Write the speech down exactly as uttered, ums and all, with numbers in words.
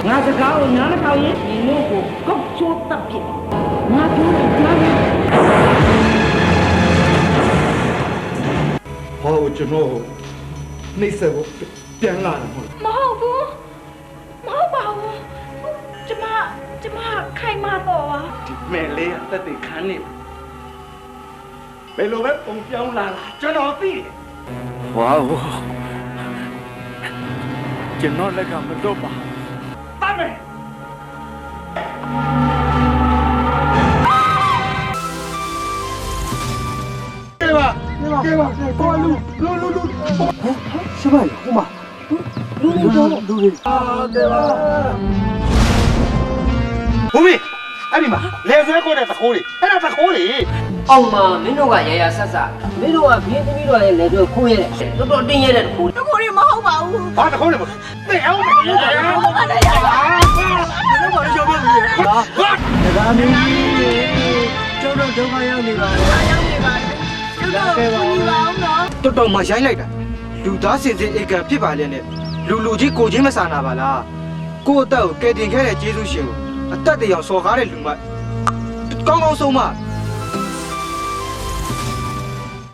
ငါစကားကိုနားမထောင်ရင်ဒီလိုကိုကောက်ချိုးတပ်ပြစ်ငါပြောတယ်ကြားတယ်ဟောကျွန်တော်နှိမ့်ဆက်ဖို့ပြန်လာတယ်ဟုတ်မဟုတ်ဘူးမဟုတ်ပါဘူးကျမကျမခိုင်မာတော့ပါဒီမဲ့လေးကတက်တဲ့ခန်းနေဘယ်လိုပဲပုံပြောင်းလာတာကျွန်တော်သိတယ်ဝါဝကျွန်တော်လက်ကမတော့ပါတမ်းမယ်ကဲပါကဲပါကိုလူလူလူလူရှမရဟိုမှာလူလူတော့လူလူအာကဲပါဘုမေအဲ့ဒီမှာလေဆွဲခေါ်တဲ့သခိုးတွေအဲ့ဒါသခိုးတွေအောင်မမင်းတို့ကရရဆက်ဆက်မင်းတို့ကဘင်းသမီးတို့ရဲ့လေတို့ခိုးရတယ်တော်တော်တင်းရတဲ့ခိုးတကူရီမဟုတ်ပါဘူးဘာသခိုးလဲမသိအောင်မသိအောင်ဟုတ်ပါနဲ့ရပါဘယ်လိုမှကြောက်ပြည့်ဟာဒါမင်းကြီးကျောင်းတော့ဒုက္ခရောက်နေပါလေရောက်နေပါလေကျုပ်တို့ကိုညီပါအောင်နော်တော်တော်မှရိုင်းလိုက်တာလူသားစင်စစ်ဧကံဖြစ်ပါလေနဲ့လူလူကြီးကိုချင်းမဆာနာပါလားကို့အသက်ကိုကယ်တင်ခဲ့တဲ့ကျေးဇူးရှင်ကိုအသက်တရောင်စော်ကားတဲ့လူမကောင်းကောင်းဆုံးမ